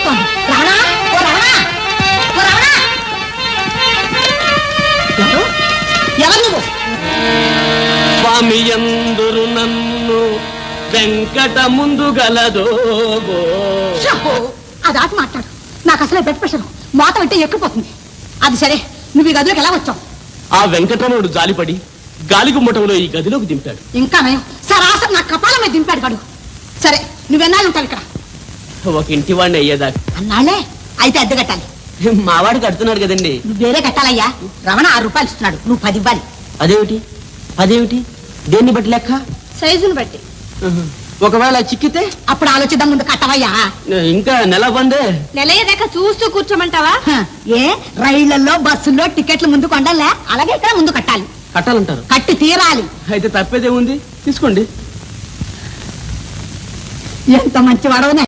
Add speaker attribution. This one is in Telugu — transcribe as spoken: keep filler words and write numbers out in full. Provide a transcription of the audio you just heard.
Speaker 1: పిలుస్తోంది. రావణా, ఓ రావణా, ఓ రావణా. ఎవరు ఎవరు నువ్వు?
Speaker 2: స్వామి ఎందురు నన్ను వెంకట ముందు గలదో
Speaker 1: అది ఆట మాట్లాడు. నాకు అసలే బ్లడ్ ప్రెషర్ మోత అంటే ఎక్కిపోతుంది. అది సరే, నువ్వు ఈ గదిలోకి ఎలా వచ్చావు?
Speaker 2: ఆ వెంకటరమణుడు జాలిపడి గాలిగు ముఠంలో ఈ గదిలోకి దింపాడు.
Speaker 1: ఇంకా నయం, సరాసరి నా కపాలం మీద దింపాడు గడు. సరే, నువ్వెన్నాళ్ళు ఉంటావు ఇక్కడ?
Speaker 2: ఒక ఇంటి వాడిని అయ్యేదాకా.
Speaker 1: అన్నాళ్లే అయితే అద్దె కట్టాలి.
Speaker 2: మావాడు కడుతున్నాడు కదండి.
Speaker 1: నువ్వు వేరే కట్టాలయ్యా. రమణ ఆరు రూపాయలు ఇస్తున్నాడు, నువ్వు పది ఇవ్వాలి.
Speaker 2: అదేమిటి అదేమిటి దేన్ని బట్టి లెక్క?
Speaker 1: సైజుని బట్టి.
Speaker 2: ఒకవేళ చిక్కితే
Speaker 1: అప్పుడు ఆలోచిద్దాం, ముందు కట్టవయ్యా.
Speaker 2: ఇంకా నెల బందే.
Speaker 1: నెలయ్యేదాకా చూస్తూ కూర్చోమంటావా? ఏ రైళ్లలో బస్సుల్లో టికెట్లు ముందు కొండలే, అలాగే ఇక్కడ ముందు కట్టాలి.
Speaker 2: కట్టాలంటారు?
Speaker 1: కట్టి తీరాలి.
Speaker 2: అయితే తప్పేదే ఉంది, తీసుకోండి.
Speaker 1: ఎంత మంచి వాడవనే.